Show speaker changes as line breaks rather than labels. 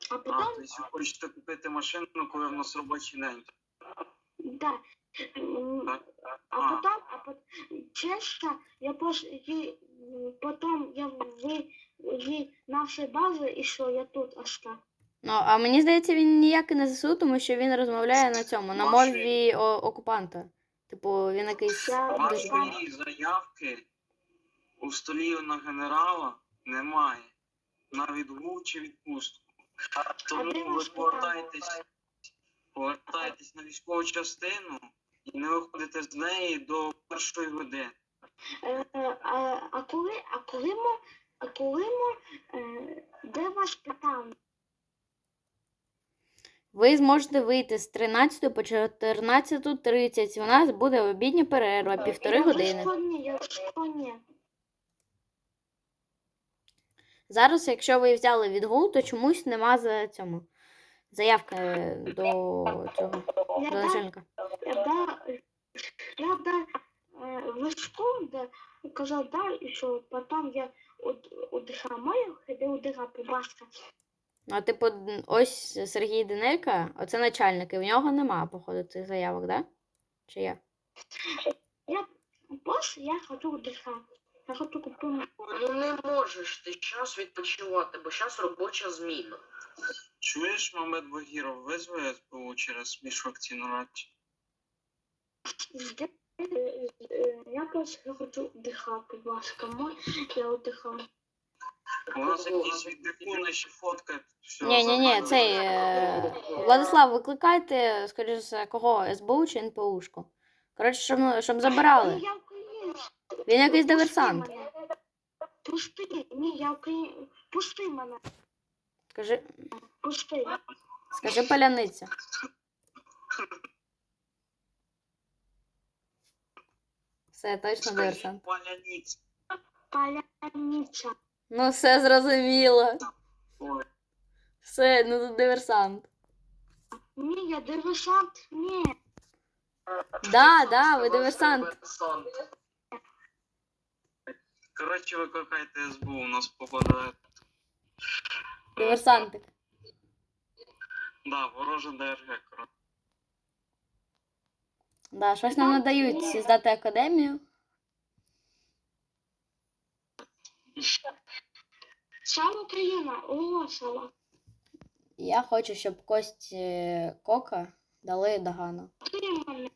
А
А,
потім...
то есть ви хочете купити машину, коли в нас робочий день.
Да.
Так?
А потом, честно, я потом я в нашей базе, и что я тут осталась.
Ну, а мені здається, він ніяк і не ЗСУ, тому що він розмовляє на цьому, на мові окупанта. Типу, він якийсь дуже...
Вашої заявки у столі на генерала немає. На відгул чи відпустку. Тому ви повертаєтесь на військову частину і не виходите з неї до 1-ї години.
Де ваш питання?
Ви зможете вийти з 13 по 14:30. У нас буде обідня перерва, 1,5 години.
Я ні.
Зараз, якщо ви взяли відгул, то чомусь нема за цьому заявки до цього, до начальника.
Я вишком, да, казав, да, і що потім я удихав маю, ходив удихав по баска.
Ну, а типу, ось Сергій Денелька, оце начальник, і в нього нема, походу, цих заявок, да? Чи є?
Я ходжу удихав. Я хочу купити.
Ну не можеш ти час відпочивати, бо зараз робоча зміна.
Чуєш, Мамед Багіров, визве СБУ через міжфракційну раду?
Я просто хочу вдихати, будь ласка, я вдихав.
У нас якісь віддихуни ще фоткають.
Ні, цей... Владислав, викликайте, скоріше за кого, СБУ чи НПУшку? Коротше, щоб забирали.
Я українець.
Він якийсь диверсант.
Пусти, ні, я українець. Пусти мене. Пусти.
Скажи паляниця. Все, точно диверсант.
Паляниця.
Ну, все зрозуміло.
Ой.
Все, ну тут диверсант.
Ні, я диверсант, ні.
Да, ви диверсант.
Коротше, викликайте СБУ, у нас попадає.
Диверсантик.
Да, ворожа ДРГ, коротше.
Да, щось нам надають здати академію.
Сам Україна, оголосила.
Я хочу, щоб кость Кока дали Дагану.
Ти мене.